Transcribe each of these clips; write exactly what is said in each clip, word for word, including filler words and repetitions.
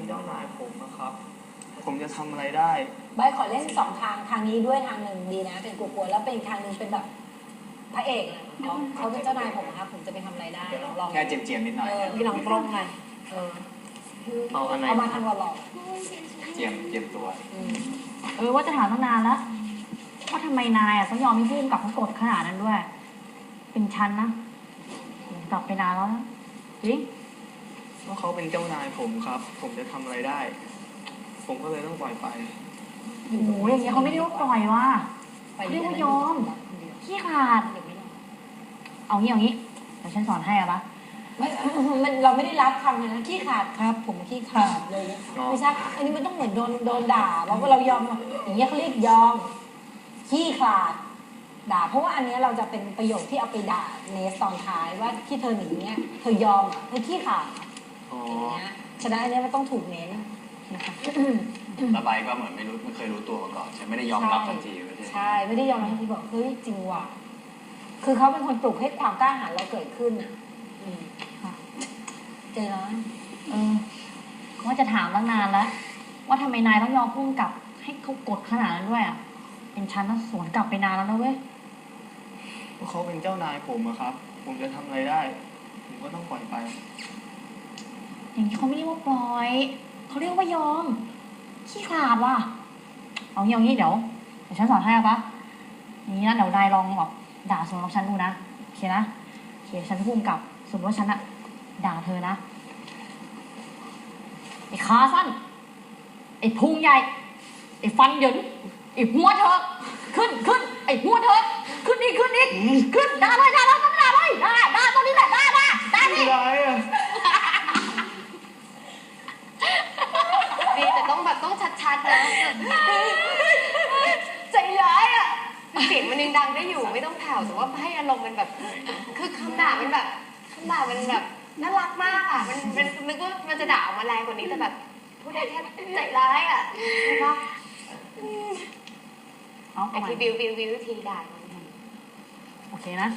เจ้านายผมนะครับผมจะทำอะไรได้ใบขอเล่นสองทางทางนี้ด้วยทางหนึ่งดีนะเป็นกลัวๆแล้วเป็นอีกทางหนึ่งเป็นแบบพระเอกอะเขาเขาเป็นเจ้านายผมครับผมจะไปทำอะไรได้ลองลองแค่เจียมๆนิดหน่อยเออพี่ลองตรงไปเออเอาอันไหนเอามาทางหล่อเจียมเจียมตัวๆอืมเออว่าจะถามตั้งนานแล้วว่าทำไมนายอ่ะต้องยอมให้พุ่มกับเขากดขนาดนั้นด้วย เป็นฉันนะกลับไปนานแล้วนะจริงว่าเขาเป็นเจ้านายผมครับ ผมจะทำอะไรได้ ผมก็เลยต้องปล่อยไปโอ้โหอย่างเงี้ยเขาไม่ได้ว่าปล่อยว่ะไปเรียกว่ายอม ขี้ขาด เอางี้เอางี้เดี๋ยวฉันสอนให้อะปะไม่มันเราไม่ได้รับคำเลยนะขี้ขาดครับ ผมขี้ขาดเลยอ๋อไม่ใช่อันนี้มันต้องเหมือนโดนโดนด่าว่าเรายอมอย่างเงี้ยเขาเรียกยอมขี้ขาดด่าเพราะว่าอันเนี้ยเราจะเป็นประโยคที่เอาไปด่าเนสตอนท้ายว่าที่เธอหนีเนี่ยเธอยอมอะเธอขี้ขาดอ๋ออย่างเงี้ยฉะนั้นอันเนี้ยมันต้องถูกเน้นนะคะระบายก็เหมือนไม่รู้ไม่เคยรู้ตัวมาก่อนใช่ไม่ได้ยอมรับทันทีไม่ใช่ใช่ไม่ได้ยอมรับทันทีบอกเฮ้ยจริงว่ะคือเขาเป็นคนปลุกให้ความกล้าหาญเราเกิดขึ้นอ่ะอืมค่ะใจร้อนเออว่าจะถามตั้งนานแล้ว ว่าทำไมนายต้องยอมพุ่มกับให้เขากดขนาดนั้นด้วยอ่ะ เป็นฉันนะสวนกลับไปนานแล้วนะเว้ยว่าเขาเป็นเจ้านายผมอะครับ ผมจะทำอะไรได้ ผมก็ต้องปล่อยไปอย่างนี้เขาไม่เรียกว่าปล่อยเขาเรียกว่ายอม ขี้ขลาดว่ะ เอางี้เอางี้เดี๋ยวเดี๋ยวฉันสอนให้อะปะอย่างนี้นะเดี๋ยวนายลองแบบด่าสวนกับฉันดูนะโอเคนะโอเคฉันพุ่มกับสมมติว่าฉันอะด่าเธอนะไอ้ขาสั้นไอ้พุงใหญ่ไอ้ฟันเหยินไอ้หัวเธอขึ้นขึ้นไอ้หัวเธอขึ้นอีกขึ้นอีกขึ้นด่าเลยด่าเลยต้องด่าเลยด่าด่าตอนนี้แหละด่าด่าด่าไม่ดิได้อะดีแต่ต้องแบบต้องชัดๆนะใจร้ายอ่ะเสียงมันยังดังได้อยู่ไม่ต้องแผ่วแต่ว่าให้อารมณ์มันแบบ คือคำด่ามันแบบคำด่ามันแบบน่ารักมากอ่ะมันมันนึกว่ามันจะด่าออกมาแรงกว่านี้แต่แบบพูดได้แค่ใจร้ายอ่ะใช่ปะเอาไอ้เอาใหม่ที่บิวบิวบิววิธีด่ามันโอเคนะ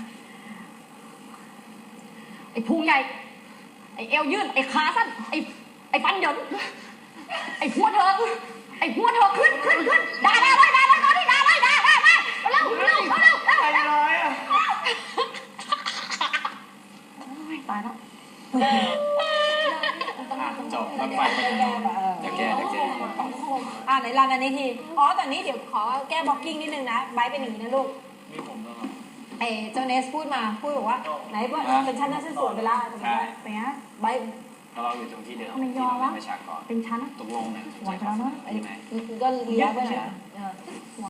ไอ้พุงใหญ่ ไอ้เอวยื่น ไอ้ขาสั้น ไอ้ไอ้ฟันเหยินไอ้หัวเธอ ไอ้หัวเธอขึ้นขึ้นขึ้นด่าด่าเลยด่าเลยตอนนี้ด่าเลยด่าด่าด่าเร็วเร็วเร็วเร็วเร็วไม่ได้อะโอ้ยตายแล้วอ่ะจบแล้วไปไปแก้แบบเออจะแก้จะแก้อ่าไหนรันอันนี้ทีอ๋อตอนนี้เดี๋ยวขอแก้บล็อกกิ้งนิดนึงนะไบร์ทเป็นอย่างนี้นะลูกนี่ผมแล้วครับเอเจ้าเนสพูดมาพูดบอกว่าไหนว่าเป็นชั้นนั้นชั้นส่วนไปละเป็นไงไบร์ทแล้วเราอยู่ตรงที่เดิมทำไมยที่อมเราวะเป็นประชากรเป็นฉันนะตกลงเนี่ยไหวไปแล้วเนอะใช่ไหมก็เลี้ยงไปหน่อยนะเออ